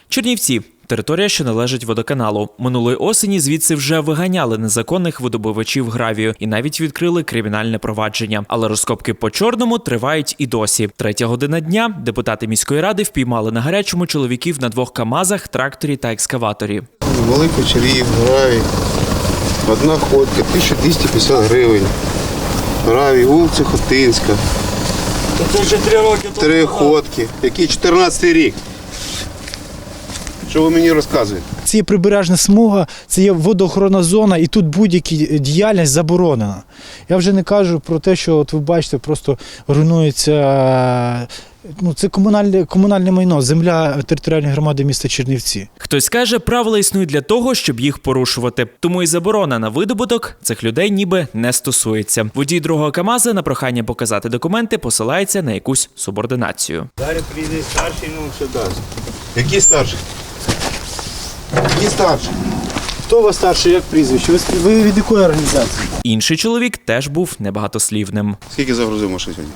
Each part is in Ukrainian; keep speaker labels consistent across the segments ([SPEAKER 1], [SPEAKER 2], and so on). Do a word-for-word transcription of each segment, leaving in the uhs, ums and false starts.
[SPEAKER 1] Чернівці – територія, що належить водоканалу. Минулої осені звідси вже виганяли незаконних видобувачів гравію і навіть відкрили кримінальне провадження. Але розкопки по чорному тривають і досі. Третя година дня депутати міської ради впіймали на гарячому чоловіків на двох камазах, тракторі та екскаваторі.
[SPEAKER 2] Великий червів, гравій, одна ходка, тисяча двісті п'ятдесят гривень. Гравій, вулиця Хотинська.
[SPEAKER 3] Це вже три роки.
[SPEAKER 2] Три ходки. Який чотирнадцятий рік. Що ви мені розказуєте?
[SPEAKER 4] Це є прибережна смуга, це є водоохоронна зона, і тут будь-яка діяльність заборонена. Я вже не кажу про те, що от ви бачите, просто руйнується. Ну, це комунальне, комунальне майно, земля територіальної громади міста Чернівці.
[SPEAKER 1] Хтось каже, правила існують для того, щоб їх порушувати. Тому і заборона на видобуток цих людей ніби не стосується. Водій другого КАМАЗа на прохання показати документи посилається на якусь субординацію.
[SPEAKER 3] Зараз прийде старший, ну що дасть.
[SPEAKER 2] Який старший? Який старший?
[SPEAKER 4] Хто у вас старший, як прізвище? Ви, ви від якої організації?
[SPEAKER 1] Інший чоловік теж був небагатослівним.
[SPEAKER 2] Скільки загрузив машин сьогодні?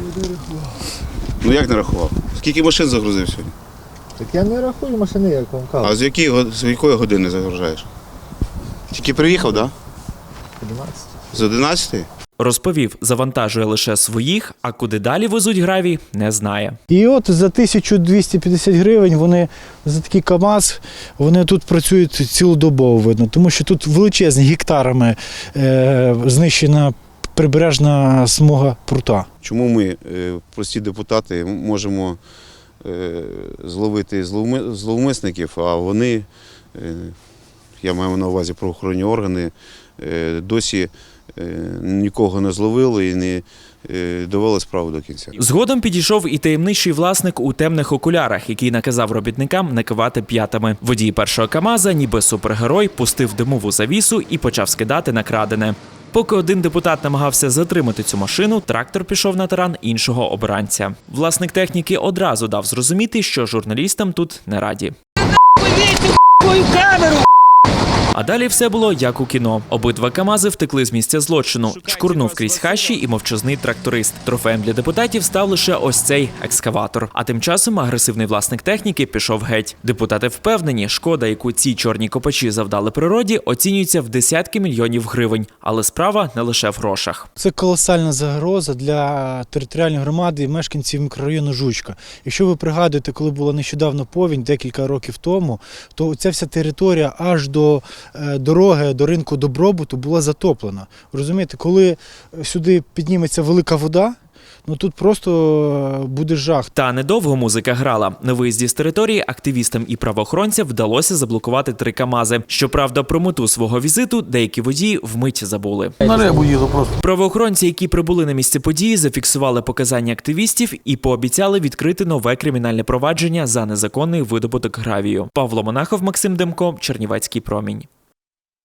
[SPEAKER 2] Ну як не рахував? Скільки машин загрузив сьогодні?
[SPEAKER 5] Так я не рахую машини, як вам кажу.
[SPEAKER 2] А з якої, го- з якої години загружаєш? Тільки приїхав, так? Да?
[SPEAKER 5] одинадцять.
[SPEAKER 2] З одинадцятої?
[SPEAKER 1] Розповів, завантажує лише своїх, а куди далі везуть гравій, не знає.
[SPEAKER 4] І от за тисячу двісті п'ятдесят гривень вони, за такий КАМАЗ, вони тут працюють цілодобово, видно, тому що тут величезні гектарами е, знищена прибережна смуга прута.
[SPEAKER 2] Чому ми, е, прості депутати, можемо е, зловити зловми- зловмисників, а вони, е, я маю на увазі правоохоронні органи, е, досі е, нікого не зловили і не е, довели справу до кінця.
[SPEAKER 1] Згодом підійшов і таємничий власник у темних окулярах, який наказав робітникам не кивати п'ятами. Водій першого КАМАЗа, ніби супергерой, пустив димову завісу і почав скидати на крадене. Поки один депутат намагався затримати цю машину, трактор пішов на таран іншого обранця. Власник техніки одразу дав зрозуміти, що журналістам тут не раді. А далі все було як у кіно. Обидва КАМАЗи втекли з місця злочину. Чкурнув крізь хащі і мовчазний тракторист. Трофеєм для депутатів став лише ось цей екскаватор. А тим часом агресивний власник техніки пішов геть. Депутати впевнені, шкода, яку ці чорні копачі завдали природі, оцінюється в десятки мільйонів гривень. Але справа не лише в грошах.
[SPEAKER 4] Це колосальна загроза для територіальної громади і мешканців мікрорайону Жучка. Якщо ви пригадуєте, коли була нещодавно повінь, декілька років тому, то ця вся територія аж до е, дороги, до ринку Добробуту була затоплена. Розумієте, коли сюди підніметься велика вода, ну тут просто буде жах.
[SPEAKER 1] Та недовго музика грала. На виїзді з території активістам і правоохоронцям вдалося заблокувати три КАМАЗи. Щоправда, про мету свого візиту деякі водії вмить забули.
[SPEAKER 3] На рибу їду просто.
[SPEAKER 1] Правоохоронці, які прибули на місце події, зафіксували показання активістів і пообіцяли відкрити нове кримінальне провадження за незаконний видобуток гравію. Павло Монахов, Максим Демко, Чернівецький промінь.